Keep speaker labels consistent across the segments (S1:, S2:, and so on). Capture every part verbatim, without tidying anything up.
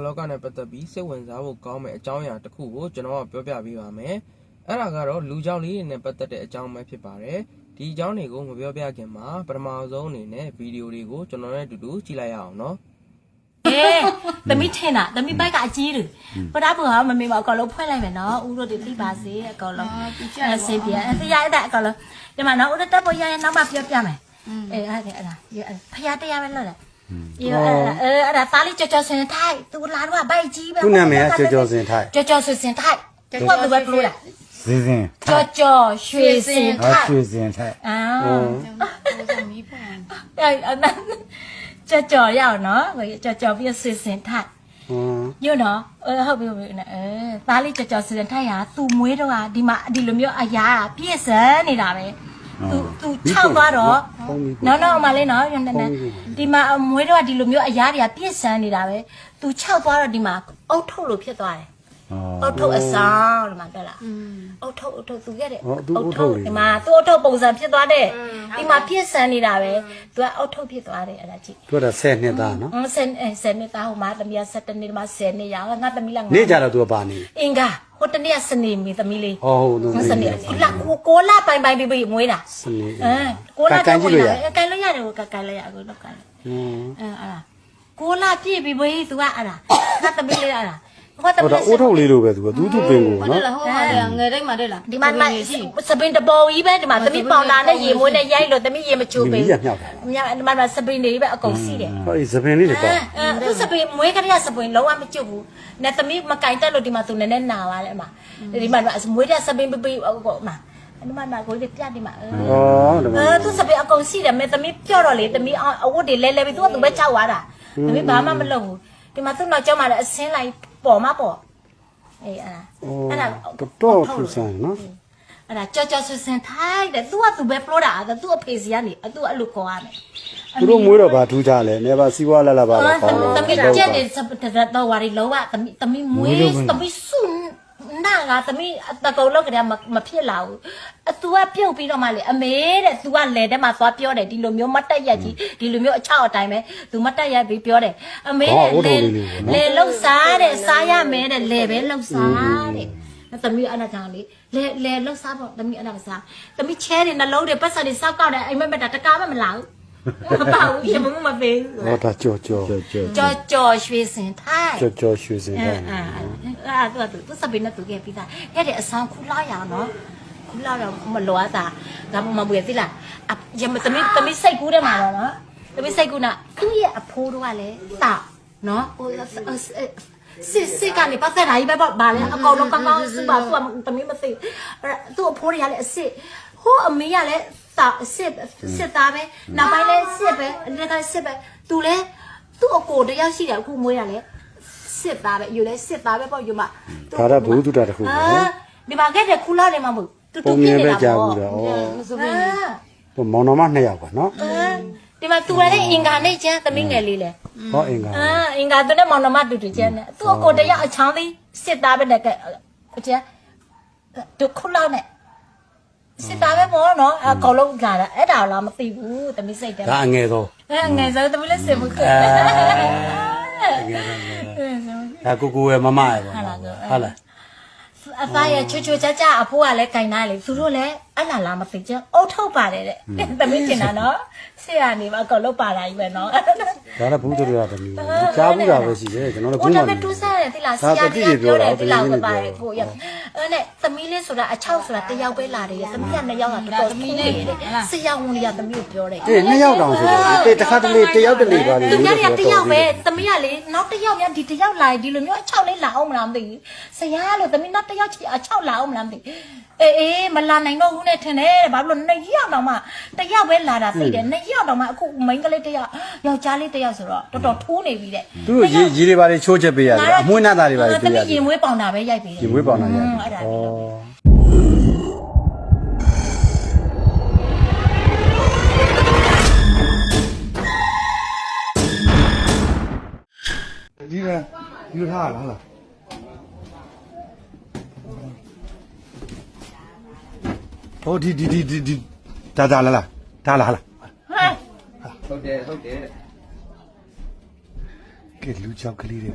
S1: လောကနဲ့ပတ်သက်ပြီးစိတ်ဝင်စားဖို့ကောင်းမဲ့အကြောင်းအရာတစ်ခုကိုကျွန်တော်ကပြောပြပေးပါမယ်။အဲ့ဒါကတော့လူကြောင့်လေးတွေနဲ့ပတ်သက်တဲ့အကြောင်းပဲဖြစ်ပါတယ်။ဒီအကြောင်းတွေကိုမပြောပြခင်မှာပထမဆုံးအနေနဲ့ဗီဒီယိုတွေကိုကျွန်တော်နဲ့အတူတူကြည့်လိုက်ရအောင်နော်
S2: ။အေးသမီးထင်တာသမီးဘိုက်ကအကြီးတယ်။ပဒါဘူးဟာမမေမအကောင်လုံးဖွင့်လိုက်မယ်နော်။ဦးတို့တွေသိပါစေအကောင်လုံး။အစင်ပြအတရားတဲ့အကောင်လုံးဒီမှာနော်ဦးတို့တက်ပေါ်ရရနောက်မှပြောပြမယ်။အေးအဲ့ဒါအဲ့ဒါဖျားတရားပဲလို့လား။အေးအဲ့ဒါအဲ့ဒါသားလေးကြော်ကြော်စင်ထိုက်သူလာတော့ဘိုက်ကြီးပဲ
S3: ။သူ့နာမည်ကကြော်ကြော်စင်ထိုက်
S2: ။ကြော်ကြော်စင်ထိုက်။သူကသူပဲပြောတာ
S3: ။စင်စင်
S2: ။ကြော်ကြော်ရွှေစင်ထိုက်
S3: ။ရွှေစင်ထိုက်
S2: ။အာ။အဲ့အဲ့ကြော်ကြော်ရအောင်နော်။ကြော်ကြော်ပြီးဆွေစင်ထိုက်။ညနော်အဲဟုတ်ပြီဟုတ်ပြီအဲသားလေးကြော်ကြော်စင်ထိုက်ဟာသူ့မွေးတော့ဟာဒီမှာဒီလိုမျိုးအရာပြည့်စံနေတာပဲသူသူခြောက်သွားတော့နော်နော်မလေးနော်ညနေဒီမှာမွေးတော့ဒီလိုမျိုးအရာတွေကပြည့်စံနေတာပဲသူခြောက်သွားတော့ဒီမှာအုတ်ထုတ်လို့ဖြစ်သွားတယ်အုတ်ထုတ်အဆောင်ဒီမှာတွေ့လားအုတ်ထုတ်အုတ်ထုတ်သူခဲ့တဲ့အုတ်ထုတ်ဒီမှာသူ့အုတ်ထုတ်ပုံစံဖြစ်သွားတဲ့ဒီမှာပြည့်စံနေတာပဲသူကအုတ်ထုတ်ဖြစ်သွားတယ်အဲ့ဒါကြည့်
S3: သူကဆယ်နှစ်သားနော်
S2: ဆယ်ဆယ်နှစ်သားဟိုမှာသမီးကဆယ်တနှစ်မှာဆယ်နှစ်ရငါသမီးလည်း
S3: နေကြတော့သူကပါနေ
S2: အင်္ဂါဟိုတနေ့ကစနေမီသမီးလေး
S3: ဟောဟုတ်သူ
S2: စနေလာကိုလာပိုင်ပိုင်ပြီးပြီးမွေးတာ
S3: စနေ
S2: အဲကိုလာကန်ကြည့်လို့ရကန်လို့ရတယ်ကိုကန်လိုက်ရအခုတော့ကန်အဲအဲ့ဒါကိုလာပြည့်ပြီးပြီး तू ကအဲ့ဒါငါသမီးလေးအဲ့ဒါ
S3: ဟောတော့အိုးထုတ်လေးလိုပဲသူကသူသူပင်ကိုနော်
S4: ဟုတ်လားဟိုဟာငယ်တိုင်းမှာတဲ့လား
S2: ဒီမှာစပင်တပေါ်ကြီးပဲဒီမှာသမီးပေါင်တာနဲ့ရေမွေးနဲ့ရိုက်လို့သမီးရေမချိုးပေး
S3: ဘူးမြောက်တာ
S2: မြောက်ဒီမှာစပင်တွေပဲအကုန်စီးတယ်
S3: ဟောဒီစပင်လေးတွေပေါ့
S2: အဲသူစပင်မွေးကလေးကစပင်လုံးဝမကျွတ်ဘူးနဲ့သမီးမကင်တက်လို့ဒီမှာသူနည်းနည်းနာပါလေအမဒီမှာမွေးတဲ့စပင်ပပအကုန်အမအဲ့မှာမှာကိုလေးပြတ်ဒီမှာဩအဲသူစပင်အကုန်စီးတယ်မဲ့သမီးပြော့တော့လေသမီးအဝတ်တွေလဲလဲပြီးသူကသူပဲချောက်သွားတာသမီးဘာမှမလုပ်ဘူးဒီမှာသူ့နောက်ကျောင်းမှာလည်းအစင်းလိုက်ပေါ်မှာပေါ့အေးအဲ့
S3: အဲ့ဒါတော့ထူဆန်းနော်
S2: အဲ့ဒါကြော်ကြော်ဆဆင်ထိုက်တယ် तू က तू ပဲပလို့တာသူ့အဖေစီကနေ तू အဲ့လိုခေါ်ရမယ်
S3: သူတို့မွေးတော့ဗာထူးကြလဲနေပါစီးပွားလာလာပါတော့ကောင်း
S2: တယ်သမီးကျက်တယ်တော့ဝါရီလောကသမီးသမီးမွေးသမီးစွန်းနာကသမီးတကုံလောက်ကတည်းကမဖြစ်လာဘူးအ तू ကပြုတ်ပြီးတော့မှလေအမေတဲ့ तू ကလဲတဲ့မှာသွားပြောတယ်ဒီလိုမျိုးမတက်ရက်ကြီးဒီလိုမျိုးအချောက်အတိုင်းပဲ तू မတက်ရက်ပြီးပြောတယ်အမေတဲ့လေလှုပ်စားတဲ့စားရမယ်တဲ့လေပဲလှုပ်စားတဲ့သမီးအနာကြောင့်လေလေလေလှုပ်စားပေါ့သမီးအနာမစားသမီးချဲတယ်နှလုံးတွေပတ်စံတွေစောက်ကောက်တယ်အိမ်မက်မက်တာတကားမမလာဘူးမပါဘူးရေမမပေးဘူး
S3: ဟောတာကြော်ကြော်
S2: ကြော်ကြော်ရွှေစင်ထိုင်
S3: ကြော်ကြော်ရွှေစင်ထိုင်
S2: အာအာသူကသူစပင်းနဲ့သူကပြီးသားအဲ့တဲ့အဆောင်ခုလာရအောင်နော်ခုလာတော့မလောတာဒါမှမဟုတ်ဘူးသိလားရမသမီးသမီးစိတ်ကူးတယ်မှာတော့နော်သမီးစိတ်ကူးနာသူ့ရဲ့အဖိုးတို့ကလည်းတာနော်ဟိုစစ်စစ်ကနေပတ်သက်တာကြီးပဲပေါ့ဗာလဲအကောင်လုံးကောင်းကောင်းစပါသူကသမီးမသိသူ့အဖိုးတွေကလည်းအစစ်ဟိုအမေကလည်းတာစစ်စစ်သားပဲနောက်ပိုင်းလဲစစ်ပဲအလက်ကစစ်ပဲသူလဲသူ့အကိုတယောက်ရှိတယ်အခုမွေးရလဲစစ်သားပဲယူလဲစစ်သားပဲပေါ့ယူမ
S3: ဒါရဘူးတူတာတခုပဲ
S2: ဒီမှာခဲ့တဲ့ခူလာနေမှာမဟုတ်တူတူပြနေတာပေါ့
S3: ဟိုမောင်နှမနှစ်ယောက်ပါနော်
S2: ဒီမှာသူလည်းအင်္ဂါနဲ့ကျန်းသမီးငယ်လေးလဲ
S3: ဟောအင်္ဂါ
S2: အာအင်္ဂါသူနဲ့မောင်နှမတူတူကျန်းတယ်သူ့အကိုတယောက်အချောင်းသေးစစ်သားပဲနဲ့ကဲကျန်းတူခူလာနဲ့စစ်သားပဲပေါ့နော်အကောင်လုံးလာတာအဲ့ဒါလားမသိဘူးသမီးစိတ်တယ်
S3: ဒါအငယ်ဆုံး
S2: အဲငယ်ဆုံးသမီးလည်းစင်မခွတ်
S3: ဒါကိုကိုရဲ့မမရဲ့ပေါ့ဟုတ်လား
S2: အသားရချွချွကြကြအဖိုးကလည်းကင်သားလေသူတို့လည်းအလားလားမသိကြအုတ်ထုတ်ပါတယ်တဲ့သမီးတင်တာနော်ဆရာနေမှာအကောင်လုံးပါတာကြီးပဲနော်
S3: ဒါလည်းဘူးတို့ရသမီးကြားဘူးတာပဲရှိတယ်ကျွန်တော်တို့
S2: ဘူးမှာတူးစားတယ်တိလားဆရာကြီးပြောတယ်တိလားကိုပါတယ်ကိုရအဲ့နဲ့သမီးလေးဆိုတာအချောက်ဆိုတာတယောက်ပဲလာတယ်သမီးကနှစ်ယောက်ကတော်တော်သမီးလေးဆရာဝန်ကြီးကသမီးကိုပြောတယ်
S3: အေးနှစ်ယောက်တောင်ဆိုတော့တခါတလေတယောက်တလေပါလေ
S2: သူများကတယောက်ပဲသမီးကလေနောက်တယောက်များဒီတယောက်လာဒီလိုမျိုးအချောက်လေးလာအောင်မလားမသိဘူးဆရာလို့သမီးနောက်တယောက်ချီအချောက်လာအောင်မလားမသိအေးအေးမလာနိုင်တော့ဘူးနဲ့ထင်တယ်ဘာလို့နှစ်ယောက်တောင်မှတယောက်ပဲလာတာသိတယ်နှစ်ယောက်တောင်မှအခုမိန်းကလေးတယောက်ယောက်ျားလေးတယောက်ဆိုတော့တော်တော်ထိုးနေပြီတဲ့
S3: သူတို့ရေရေတွေပါလေချိုးချက်ပေးရတယ်အမွှေးနှသားတွေပါလေပေးရတယ်
S2: သမီးရေမွေးပေါင်တာပဲရိုက်ပေးတယ်
S3: ရေမွေးပေါင်တာရိုက်
S2: အဲ့ဒါ
S3: ဒီကဒီလိုထားလားဟုတ်လားဟိုဒီဒီဒီဒီဒါဒါလာလာဒါလာလာ
S1: ဟုတ်တယ်ဟုတ်တယ်
S3: ကဲလူချောက်ကလေးတွေဗျာဟ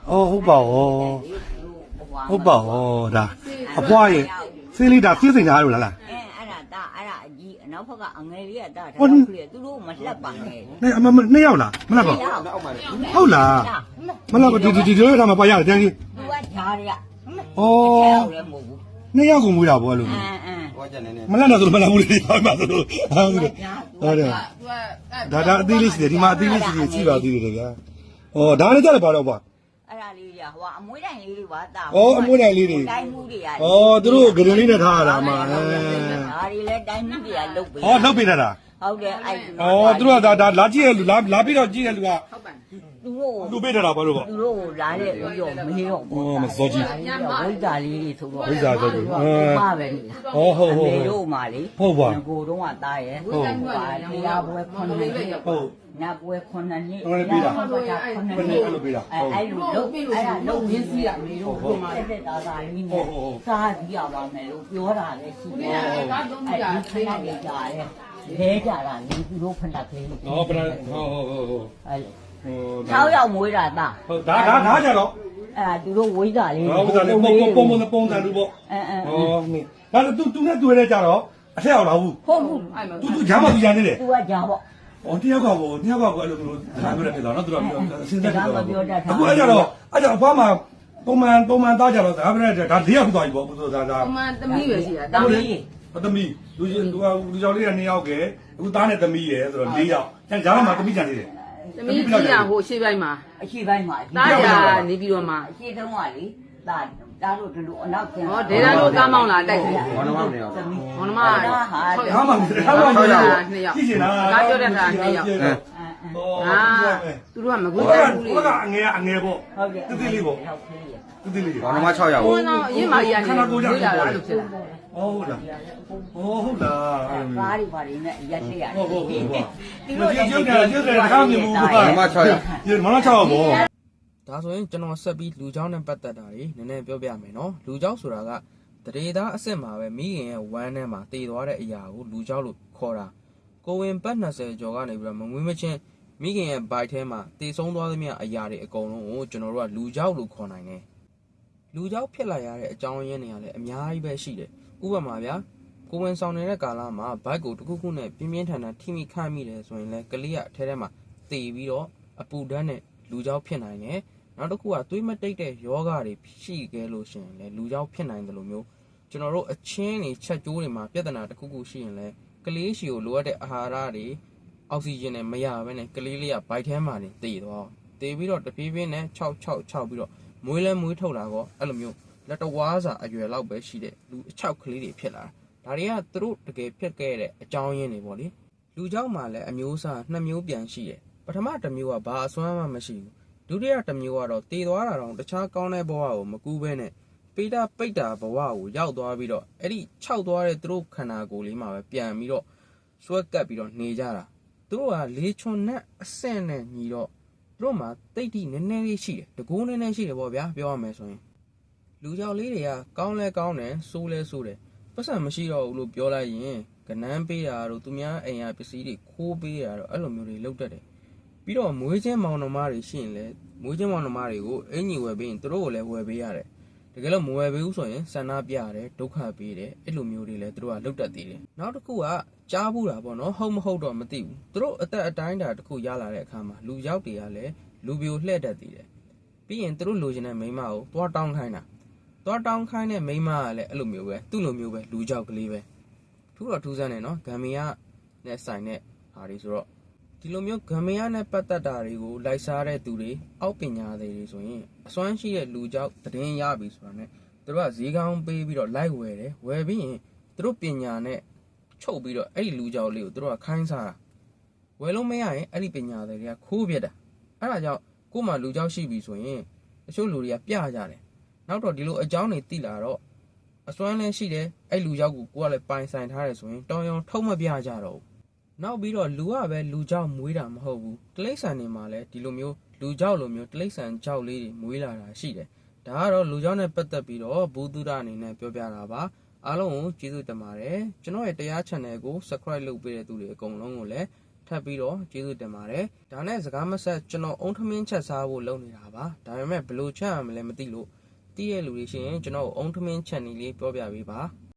S3: အော်ဟုတ်ပါဩဟုတ်ပါဩဒါအပွားရဲ့စေးလေးဒါပြည့်စိန်ထားလို့လားလား
S5: အဲအဲ့ဒါဒါအဲ့ဒါအကြီးအနောက်ဘက်ကအငယ်လေးကဒါဒါတော့ကလေးသူတို့မလှက်ပါနဲ့
S3: နေအမနှစ်ယောက်လားမလားပါဟုတ်လားမလားဒီဒီဒီလိုထားမှာပါရတယ်တန်းကြီး
S5: သူကဂျားတွေက
S3: ဩ
S5: လည်းမဟုတ်ဘူး
S3: နှစ်ယောက်ကိုမွေးတာပေါ့အဲ့လို
S5: အင်းအင်း
S3: မလားတော့မလားဘူးလေဟောမှာဆိုလို့ဟုတ်တယ်ဟုတ်တယ်ဒါဒါအသေးလေးရှိတယ်ဒီမှာအသေးလေးရှိတယ်ကြည့်ပါသေးတယ်ဗျာဩဒါလည်းကြတယ်ပါတော့ကွာ
S5: အဲ့ဒါလေးတွေကဟိုအမွေးတိုင်လေးတွေပါတာ
S3: ဩအမွေးတိုင်လေးတွေ
S5: တိုင်းမှုတွေက
S3: ဩသူတို့ဂရင်လေးနဲ့ထားရတာမှာ
S5: ဒါတွေလည်းတိုင်းမှုတွေကလုတ်ပေး
S3: ဩလောက်ပေးတတ်တာ
S5: ဟုတ်တယ်အဲ့
S3: ဩသူတို့ကဒါဒါလာကြည့်ရလူလာလာပြီးတော့ကြည့်ရလူက
S5: သူတို့
S3: လူပေးတတ်တာဘာလို့ပေါ့
S5: သူတို့လာတဲ့ပြီးတော့မင်းတော့
S3: ဩမစောကြီး
S5: ဝိဇ္ဇာလေးတွေဆိုတော့
S3: ဝိဇ္ဇာဆိုတော့
S5: ပါပဲလေ
S3: ဩဟုတ်ဟုတ်
S5: မေတို့မှလေ
S3: ဟုတ်ပါ
S5: ကိုတော့ကတားရဲ့ဟုတ်ပါတရားပွဲခွန်နေ
S3: ဟုတ်
S5: နာပွဲခွန်နေ
S3: ဟုတ်တယ်ပြီးတာ
S5: ခွန်နေခွန်နေ
S3: ဘယ်နဲ့အဲ့လိုပေးတာ
S5: အဲအဲ့လိုလုံးအဲ့ဒါလုံးရင်းစီးရမေတို့ကိုတက်တက်တာတာလေးနဲ့စားကြည့်ရပါမယ်လို့ပြောတာလည်းရှိတယ်အဲ့ဒီခဏလေးကြာတယ်လဲကြတာလေသူတို့ဖဏကလေး
S3: ဩပရဟုတ်ဟုတ်ဟုတ်ဟုတ်
S5: အဲ့လို
S3: ဟို
S5: ၆ယောက်မွေးတာတာ
S3: ဟုတ်ဒါဒါဒါကြတော့
S5: အဲ့ဒါသူတို့ဝိဇ္ဇာလေး
S3: ဟောဥစားလေးပုံပုံပုံပုံစံလူပေါ့
S5: အဲအဲ
S3: ဩမင်းဒါတူတူနဲ့တွေ့ရကြတော့အထက်အောင်လာဘူး
S5: ဟုတ်ဘူး
S3: တူတူဂျာမသူရနေတယ်
S5: သူကကြာပေါ့
S3: ဩတယောက်ကဘောတယောက်ကဘောအဲ့လိုမျိုးဒါပြောတယ်တော့နော်သူတို့အစင်းသက်တယ်တော့
S5: ပြောတတ်တာ
S3: အခုအဲ့ကြတော့အဲ့ကြအဖွားမှာပုံမှန်ပုံမှန်သားကြတော့ဒါပြောတယ်ဒါ၄ယောက်သွားပြီပေါ့ဘုရားဒါ
S4: အမှန်သမီးပဲရှိတာ
S5: တော
S4: တော
S5: င်း
S4: င်း
S5: လေး
S4: လေး
S3: အသမီးလူကြီးလူကလူကြောင်လေးက၂ယောက်ကဲအခုသားနဲ့သမီးရယ်ဆိုတော့၄ယောက်ကျန်ဂျာမမှာသမီးကြံနေတယ်
S4: သမီးကြီးရဟိုရှေ့ပိုင်းမှာ
S5: အရှိပိုင်းမှာ
S4: တားရနေပြီးတော့မှ
S5: အရှိတုံးကလေတာတာတို့ဒီလိုအနောက်ကျန်
S4: ဟောဒေတာတို့ကားမောင်းလာတိုက်တယ်
S5: ဘောနမောင်းနေရော
S4: မောင်နှမ
S5: ဟာ
S3: ဂျာမမှာဂျာမမှာ
S4: နှစ်ယောက်
S3: ကြည့်ရှင်လား
S4: ကားပြောတဲ့ခါနှစ်ယောက်
S3: ဟော
S4: အာသူတို့ကမကွေး
S3: ဟို
S4: တ
S3: က
S4: တ်ဘူးလေ
S3: ဟိုကအငယ်အငယ်ပေါ့
S5: ဟုတ်ကဲ့
S3: တိတိလေးပေါ့
S5: ဟုတ်ကဲ့
S3: တိတိလေး
S6: ဘာမှ၆ရောက်
S4: ဘု
S6: ဘူး
S4: န်းတော်အရင်မကြီးကနေတွေးလာတာလို့ဖြစ်တာ
S3: ဟုတ်လားဟုတ်လားအဲ့လို
S5: ကားတွေပါနေနဲ့ရက်ရှိရတယ်
S3: ဟုတ်ဟုတ်ဟုတ်ဟုတ်ဒီလိုကျုပ်ကကျုပ်ကတခါမြင်မှုက
S6: ဘာမှ၆ရောက်
S3: ဒီမလားချောက်ပေါ့
S1: ဒါဆိုရင်ကျွန်တော်ဆက်ပြီးလူเจ้าနဲ့ပတ်သက်တာတွေနည်းနည်းပြောပြမယ်နော်လူเจ้าဆိုတာကတရေသားအစ်စ်မှာပဲမိခင်ရဲ့ဝမ်းထဲမှာတည်သွားတဲ့အရာကိုလူเจ้าလို့ခေါ်တာကိုဝင်ပတ်၂၀ကျော်ကနေပြီးတော့မမွေးမချင်းမိခင်ရဲ့ဘိုက်ထဲမှာတည်ဆုံးသွားသမျှအရာတွေအကုန်လုံးကိုကျွန်တော်တို့ကလူเจ้าလို့ခေါ်နိုင်တယ်လူเจ้าဖြစ်လာရတဲ့အကြောင်းရင်းတွေကလည်းအများကြီးပဲရှိတယ်ဥပမာဗျာကိုဝင်ဆောင်နေတဲ့ကာလမှာဘိုက်ကိုတစ်ခုခုနဲ့ပြင်းပြင်းထန်ထန်ထိမိခတ်မိတယ်ဆိုရင်လည်းကလေးကအထဲထဲမှာတည်ပြီးတော့အပူဓာတ်နဲ့လူเจ้าဖြစ်နိုင်တယ်နောက်တစ်ခုကသွေးမတိတ်တဲ့ယောဂတွေရှိခဲ့လို့ရှိရင်လည်းလူเจ้าဖြစ်နိုင်တယ်လို့မျိုးကျွန်တော်တို့အချင်းတွေချက်ကျိုးတွေမှာပြဿနာတစ်ခုခုရှိရင်လည်းကလေးရှည်ကိုလိုအပ်တဲ့အာဟာရတွေအောက်ဆီဂျင်နဲ့မရဘဲနဲ့ကလေးလေးကဘိုက်ထဲမှာနေတည်သွားတည်ပြီးတော့တပြေးပြေးနဲ့၆၆၆ပြီးတော့မွေးလဲမွေးထုတ်လာတော့အဲ့လိုမျိုးလက်တော်ဝါးစာအရွယ်လောက်ပဲရှိတဲ့လူအချောက်ကလေးတွေဖြစ်လာတာဒါတွေကသူတို့တကယ်ဖြစ်ခဲ့တဲ့အကြောင်းရင်းတွေပေါ့လေလူเจ้าမှာလည်းအမျိုးအစားနှစ်မျိုးပြန်ရှိတယ်ပထမတစ်မျိုးကဘာအစွမ်းမှမရှိဘူးဒုတိယတစ်မျိုးကတော့တည်သွားတာတော့တခြားကောင်းတဲ့ဘဝကိုမကူးဘဲနဲ့ပိတာပိတ်တာဘဝကိုရောက်သွားပြီးတော့အဲ့ဒီခြောက်သွားတဲ့သူတို့ခန္ဓာကိုယ်လေးမှာပဲပြန်ပြီးတော့ဆွဲကပ်ပြီးတော့နေကြတာသူတို့ကလေချွန်နဲ့အဆင့်နဲ့ညီတော့သူတို့မှာတိတ်တိနည်းနည်းလေးရှိတယ်တကူးနည်းနည်းရှိတယ်ပေါ့ဗျာပြောရမယ်ဆိုရင်လူကြောက်လေးတွေကကောင်းလဲကောင်းတယ်ဆိုးလဲဆိုးတယ်ပတ်စံမရှိတော့ဘူးလို့ပြောလိုက်ရင်ကနန်းပေးတာတို့သူများအိမ်ရပစ္စည်းတွေခိုးပေးတာတော့အဲ့လိုမျိုးတွေလုပ်တတ်တယ်ပြီးတော့မွေးချင်းမောင်နှမတွေရှိရင်လည်းမွေးချင်းမောင်နှမတွေကိုအင်ကြီးဝယ်ပေးရင်သူတို့ကိုလည်းဝယ်ပေးရတယ်တကယ်လို့မဝယ်ပေးဘူးဆိုရင်ဆန္ဒပြရတယ်ဒုက္ခပေးတယ်အဲ့လိုမျိုးတွေလည်းသူတို့ကလုပ်တတ်သေးတယ်နောက်တစ်ခုကကြားဘူးတာပေါ့နော်ဟုတ်မဟုတ်တော့မသိဘူးသူတို့အသက်အတိုင်းတာတစ်ခုရလာတဲ့အခါမှာလူရောက်တွေကလည်းလူပြိုလှဲ့တတ်သေးတယ်ပြီးရင်သူတို့လိုချင်တဲ့မိန်းမကိုသွားတောင်းခိုင်းတာသွားတောင်းခိုင်းတဲ့မိန်းမကလည်းအဲ့လိုမျိုးပဲသူ့လိုမျိုးပဲလူကြောက်ကလေးပဲထူးတော့ထူးဆန်းတယ်နော်ဂမ်ဘီယာနဲ့ဆိုင်တဲ့ဟာတွေဆိုတော့ဒီလိုမျိုးဂမ်ဘီယာနဲ့ပတ်သက်တာတွေကိုလိုက်စားတဲ့သူတွေအောက်ပညာတွေဆိုရင်အစွမ်းရှိတဲ့လူကြောက်သတင်းရပြီဆိုတာနဲ့သူတို့ကဈေးကောင်းပေးပြီးတော့လိုက်ဝယ်တယ်ဝယ်ပြီးရင်သူတို့ပညာနဲ့ချုပ်ပြီးတော့အဲ့ဒီလူကြောက်လေးကိုသူတို့ကခိုင်းစားတာဝယ်လို့မရရင်အဲ့ဒီပညာတွေကခိုးပြတာအဲ့ဒါကြောင့်ကို့မှာလူကြောက်ရှိပြီဆိုရင်တချို့လူတွေကပြကြတယ်နောက်တော့ဒီလိုအကြောင်းတွေသိလာတော့အစွမ်းလည်းရှိတယ်အဲ့လူကြောက်ကိုကိုကလည်းပိုင်ဆိုင်ထားတယ်ဆိုရင်တောင်းရောင်ထုတ်မပြကြတော့ဘူးနောက်ပြီးတော့လူကပဲလူကြောက်မွေးတာမဟုတ်ဘူးတိရစ္ဆာန်တွေမှာလည်းဒီလိုမျိုးလူကြောက်လိုမျိုးတိရစ္ဆာန်ကြောက်လေးတွေမွေးလာတာရှိတယ်ဒါကတော့လူကြောက်နဲ့ပတ်သက်ပြီးတော့ဘူတုဒအနေနဲ့ပြောပြတာပါအားလုံးကိုကျေးဇူးတင်ပါတယ်ကျွန်တော်ရဲ့တရား channel ကို subscribe လုပ်ပေးတဲ့သူတွေအကုန်လုံးကိုလည်းထပ်ပြီးတော့ကျေးဇူးတင်ပါတယ်ဒါနဲ့စကားမဆက်ကျွန်တော်အုံထမင်းချက်စားဖို့လုပ်နေတာပါဒါပေမဲ့ဘယ်လိုချက်ရမလဲမသိလို့တည့်ရဲ့လူတွေရှိရင်ကျွန်တော်အုံထမင်းချက်နည်းလေးပြောပြပေးပါ